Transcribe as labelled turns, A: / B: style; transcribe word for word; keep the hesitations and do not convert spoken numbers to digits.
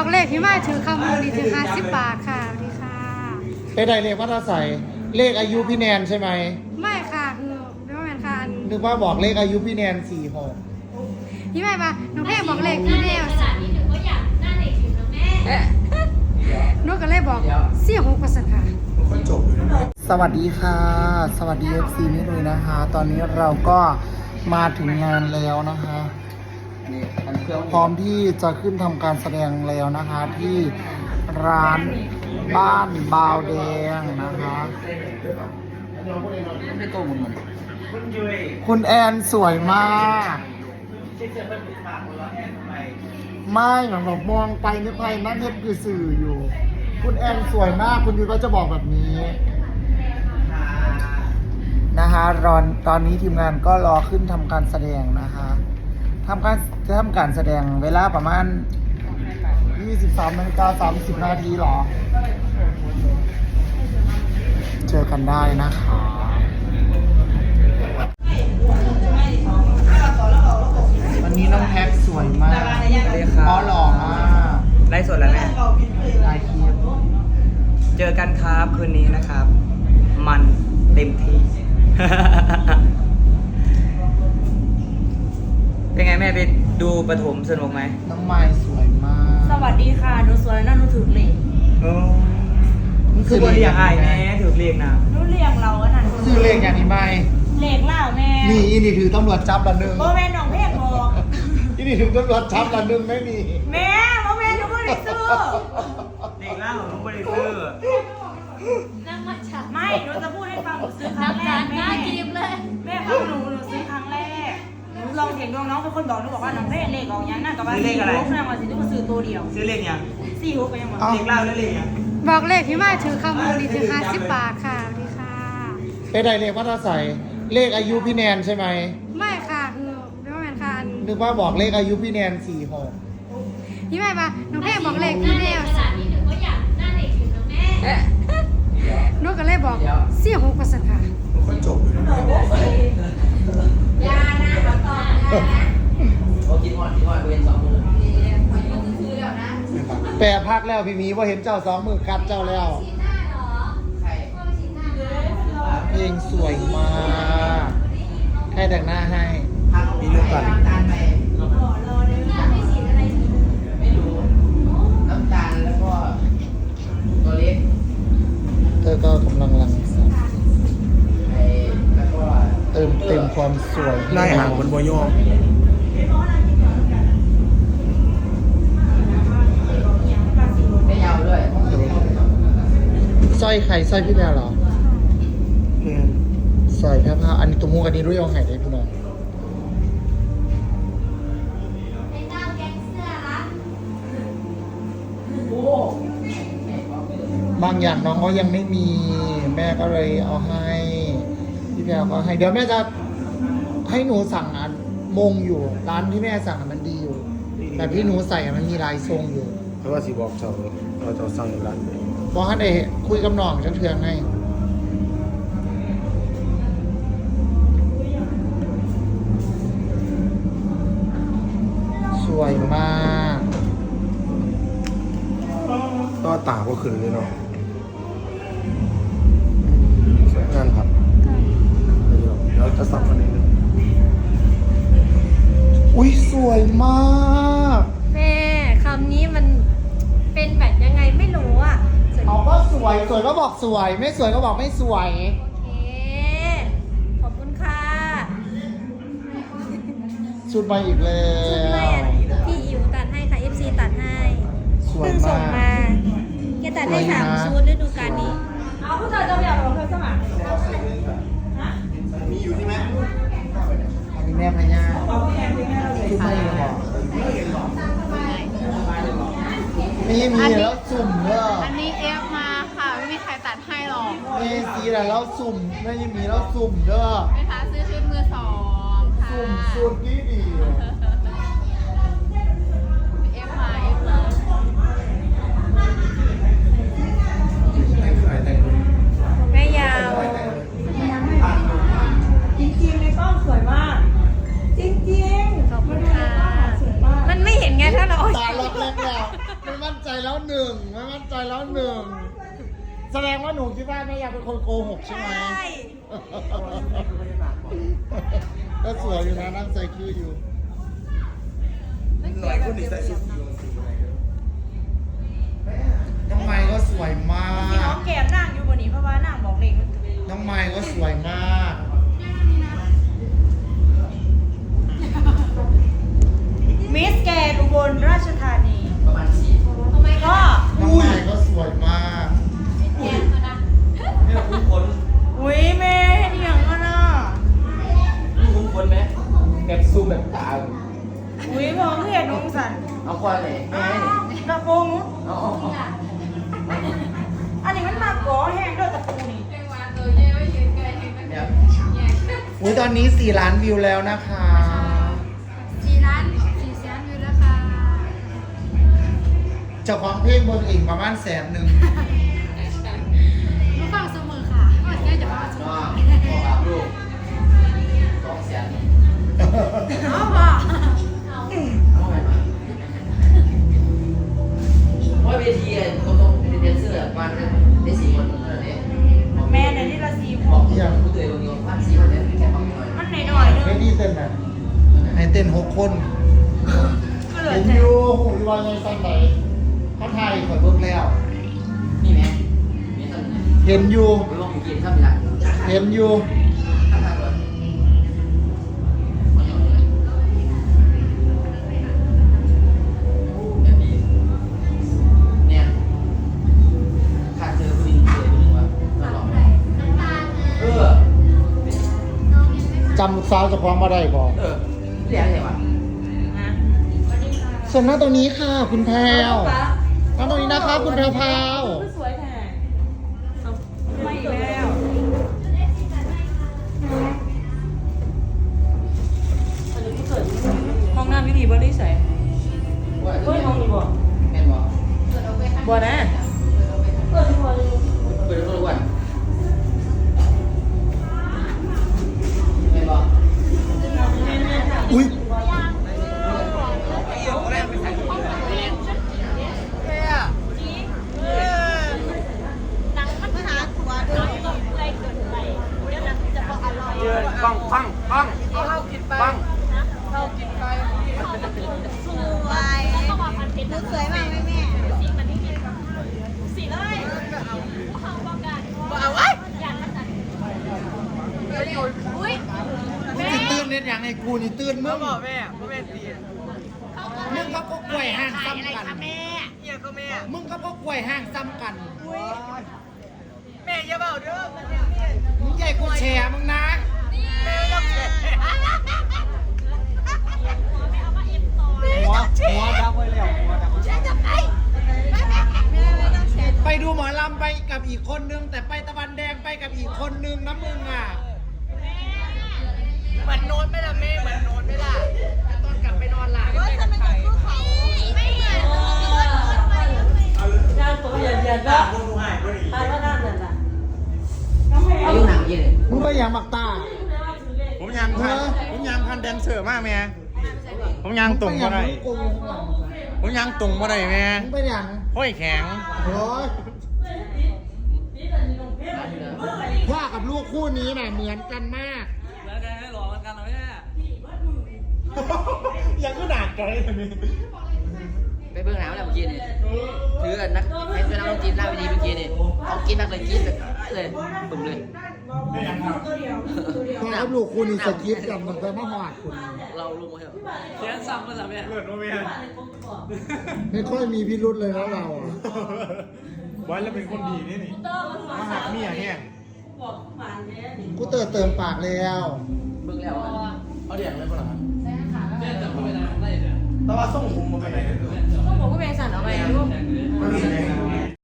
A: เลขพี่มาถือคำมูลนิธิห้าสิบบาทค่ะสวัสดีค่ะ
B: ไปได้เลขวัดใส่เลขอายุพี่แนนใช่ไหม
A: ไม่ค่ะคือไม่ว่าแมนค่ะอัน
B: นึกว่าบอกเลขอายุพี่แนนสี่หก
A: พี่ไม่ปะน้องเพ่บอกเลขพี่แนว
C: ขนาดนี้หนูก็อยากหน้าเด็กอยู่นะแม่
A: นุกก็เลยบอกสี่หกเปอร์เซ็นต์ค่ะ
B: สวัสดีค่ะ สวัสดีเอฟซีนี่เลยนะคะ ตอนนี้เราก็มาถึงงานแล้วนะคะพร้อมที่จะขึ้นทำการแสดงแล้วนะคะ ที่ร้านบ้านบาวแดงนะคะคุณแอนสวยมากไม่หลังแบบมองไปนึกไปนั่นเน็ตคือสื่ออยู่ คุณแอนสวยมากคุณยูก็จะบอกแบบนี้นะคะรอนตอนนี้ทีมงานก็รอขึ้นทำการแสดงนะคะทำการจะทำการแสดงเวลาประมาณยี่สิบสามนาฬิกาสามสิบนาทีหรอเจอกันได้นะคะวันนี้น้องแท็กสวยมากอ๋อหล่อมาก
D: ไลฟ์สดแล้วแม่
B: ไลฟ์คลิป
D: เจอกันครับคืนนี้นะครับ มันเต็มที่ เป็นไงแม่ไปดูปฐมสนุกไหม
B: น้องไม้สวยมาก
C: สวัสดีค่ะหนูสวยแล้วหนูถือเหล็ก
D: โอ้คือบริยางไอ้แม่ถือเรียกนะ
C: หนูเรียงเราอันนั้น
B: ซื้อเลขอย่างนี้ไหม
C: เหล็กเล่าแม่
B: นี่อีนี่ถือตำรวจจับละหนึ่ง
C: โมแม่น้องเพกบอก
B: อีนี่ถือตำรวจจับละหนึ่งไม่มี
C: แม่โมแม่หนูไม่ได้ซื้อ
D: เด็กล่าของน้องบริซื้อ
C: ไม่หนูจะพูดให้ฟังหนูซื้อครั้งแรกแม่แม่ฟังหนูหนูซื้อครั้งแรกหนูลองเสียงดวงน้องเป็นคนบอกหนูบอกว่าน้องเพกเลขออกยังน่ากับว่าสี่หกน่าว่าสิหนูมาซื้อตัวเดียว
D: ซื้อเรียกยัง
C: สี่หกไปยังหมด
D: เด็กล่าแล้วเรียกยัง
A: บอกเลขพี่มาถือคำมูลนิธิห้าสิบบาทค่ะสวัสดีค่ะ
B: ไปได้เลขวัดใส่เลขอายุพี่แนนใช่ไหม
A: ไม่ค่ะคือไม่ว่าแมนค่ะอัน
B: นึกว่าบอกเลขอายุพี่แนนสี่หก
A: พี่ไม่ปะน้องเพ่บอกเลขพี่แนว
C: ขนาดนี้หนูก็อยากหน้าเด็กอยู่นะแม่
A: นุกก็เลยบอกสี่หกเปอร์เซ็นต์ค่ะ
C: ยานะขอตอบนะ
D: โอ้กินหอดกินหอดเวนสองมือ
C: ซื้อแล้วนะ
B: แปรพักแล้วพี่หมีว่าเห็นเจ้าสองมือกัดเจ้าแล้ว
C: ชิ้นหน้าเหรอใช่ชิ้นหน้า
B: เพลงสวยมากให้แต่งหน้าให้มีลูกก่อน
C: ไม่ฉีดอะไรฉีด
D: ไม่รู้น้ำตาลแล้วก็ตัวเล็ก
B: เธอก็กำลังรังสรรค์
D: ไอ้แล้วก็
B: เติมเต็มความสวย
E: ได้ห่างบนบอยอ
D: ไม่ยาวด้วย
B: สร้อยใครสร้อยพี่แพรเหรอ
E: แมน
B: สร้อยแพรพาอันนี้ตัวมูกันนี้รู้ยังไงได้พี่น้อง
C: ไอ้เต้าแก๊งเสื้อละ
B: บางอย่างน้องก็ยังไม่มี แม่ก็เลยเอาให้พี่แพรก็ให้เดี๋ยวแม่จะให้หนูสั่งอันมงอยู่ร้านที่แม่สั่งอะมันดีอยู่แต่ที่หนูใส่อะมันมีลายทรงอยู่
E: เพราะว่าสีบอกเจ้าเราจะสั่งร้าน
B: บอกให้ได้คุยกับน้องฉันเทืองให้สวยมาก
E: ก็ตาก็ขึ้นเลยเนาะสวยงานครับเดี๋ยวเราจะสับกันนิดนึง
B: อุ้ยสวยมาก
F: แม่คำนี้มันเป็นแบบยังไงไม่รู้อ่ะสวย
B: เอาก็สวยสวยก็บอกสวย ไม่สวยก็บอกไม่สวย
F: โอเคขอบคุณค่ะ
B: ชุดมาอีกแล้
F: ชุดใหม่
B: ว
F: อ่ะพี่อิ๋วตัดให้ค่ะ เอฟ ซี ตัดให้
B: สวย
F: เพิ่งส่ง
B: มาก
F: มาแกตัดให้
B: สวยนะ
F: สามชุดฤดูกาลนี้
C: เอาผู้ชายจะไปเอาเธอสมัคร
E: มีอยู่ใช่ไหม
B: อันนี้แม่พญาชุดมาอีกเหรอมีมีแล้วสุ่มเด้อ
A: อันนี้เอฟมาค่ะไม่มีใครตัดให้หรอก
B: มีสีอะไรแล้วสุ่มไม่มีแล้วสุ่มเด้อ
A: ไปหาซื้อชุดมือสองค่ะ
B: สุ่มสุดดีดี
A: เอฟมาเอฟมา
F: แม่ยาว
C: จริงๆในกล้องสวยมาก จริงๆ
F: ขอบคุณค่ะ มันไม่เห็นไงถ้าเรา
B: ตาล็อกเล็กแล้วไม่มั่นใจใจแล้วหนึ่งไม่มั่นใจแล้วหนึ่งแสดงว่าหนูคิดว่าแม่อยากเป็นคนโกหกใช่ไหมก็สวยอยู่นะนั่งใส่คืออยู่
E: หน่อยคนนี้ใส่ชุด
B: น้องไม้ก็สวยมา
C: ที่น้อก งแก้มนั่งอยู่บนนี้เพราะว่านั่งบอกเล็กมันถึง
B: น้องไม้ก็สวยมาก
C: มิสแกนอุบลราชธานี
D: ประมาณสี่
F: ทำไม
C: ก็
B: น้องไม้ก็สวยมาก
F: แย่มานะ
D: นี่เราคุ้นคน
C: อุ้ยแม่เห็นอย่างนั้นอ่ะ
D: นี่คุ้นคนไหมแบบซูมแบบตา
C: อุ้ยพอเพื่อนน้องสัน
D: เอาควันเลย
C: อ้าวตะโกง
D: เอาเอาเอา
C: อันนี้มันมาก่อแห้งด้วยตะปูนี่
D: เนี่ย
B: อุ้ยตอนนี้สี่ล้านวิวแล้วนะคะ
A: สี่ล้านสี่แสนวิวแล้วค่ะ
B: เจ้าของเพลงบนเองประมาณแสนหนึ่ง
A: รู้ฟังเสมอค่ะก็แค่จะมาชม
D: น้องบอกกับลูกสองแสน
A: เอาป่ะ
D: เอาไงมาเพราะเวทีเขาต้องเป็นแดนเซอร์บ้านได้สี่คนเท่านั้นเอง
C: แม่ในที่ละสี
D: บอกผู้ตัวเองว่าบ้านสี่คนเนี่ยแค่ฟังหน่อย
C: มันหน่อยๆนึง
B: ไม่ดีเต้นนะให้เต้นหกคน
C: ก็เหลือ
B: เห็น
C: แต่
B: อยู่หูยว่าไงสั้นไหนเขาไทยข่อยเบิ่งแล้ว
D: นี่ไหมมีท่านไหน
B: เห็นอยู่
D: ไม่ว่าผมกินข้าวมีละ
B: เห็นอยู่
D: ข้าวทางก่อนแบบนี้เนี่ยขาดเจอผู้หญิงเจอผู้หญิงวะตลอดเออ
B: จำสาวเจะพร้าขอมมาได้ก่อน
D: เออเรียกอะไรวะ
C: ฮะ
B: ส่วนหน้าตรงนี้ค่ะ คุณแพรวหน้าตรงนี้นะคะคุณแพรวพราว
C: สวยแท้ไม่อีกแล้วห้องน้ำวิธีบริสัย
D: ว่า
C: เฮ้ยห้องนี้บ่
D: แม่นบ่
C: บ่นะ
D: เปิดทุกวันแม่นบ่
B: อุ้ยปังปังปังปัง นี่ตื่นเล่นอย่างไอ้กูนี่ตื่นมึงบอกแม่พ่อแม่ตีมึงก็ก็กล้วยห้างซ้ำกันแม่เฮียก็แม่มึงก็ก็กล้วยห้างซ้ำกันแม่อย่าเบาเด้อมึงใหญ่กูแชร์มึงนะแม่ต้องแชร์หัวหัวดับไว้แล้วหัวดับไปดูหมอลำไปกับอีกคนนึงแต่ไปตะวันแดงไปกับอีกคนนึงนะมึงอ่ะเหมือนโน้ตไม่ละแม่เหมือนโน้ตไม่ละตอนกลับไปนอนหลับไม่เหมือนใคร
D: อายุหนังยี่เลย
B: มึงไปอย่างมักตา
E: ผมยางพันผมยางพันแดนเซอร์มากแม่ผมยางตรงมาได้
B: มึง
E: ผมยางตรงมาได้แม่
B: ไปอย่าง
E: ห้อยแข็ง
B: โอ้ยพ่อกับลูกคู่นี้น่ะเหมือนกันมาก
D: แล้วกันให้หล่อกันกันเหรอแม่
E: ยังก็หนักใจเลยนี่
D: ไปเบื้องหลังแล้วเมื่อกี้นี่ถือกันนักให้เป็นนักดนตรีหน้าเวทีเมื่อกี้นี่เอากินนักเลยกินแบบเลยตุ่มเลย
B: พ่อกับลูกคู่นี้สกิปกันมันจะมาหอดคุณ
D: เราลงมาเถอะเสียงซ้ำมาแล้วแม่
E: เลือดโมเมน
B: ไม่ค่อยมีพิรุธเลยนะเราอะ
E: ไว้แล้วเป็นคนดีนี่นี่มาหักเมียเนี่ย
B: กูเติมเติมปากแล้ว
D: เบื้องแล้ว
E: เอาเดี่ยงเลยป่ะล่ะ
D: เนี่ยแต่ไม่เป็นไรได้เลย
E: แต่ว่าส่งผมมาไปไหนเนี่ย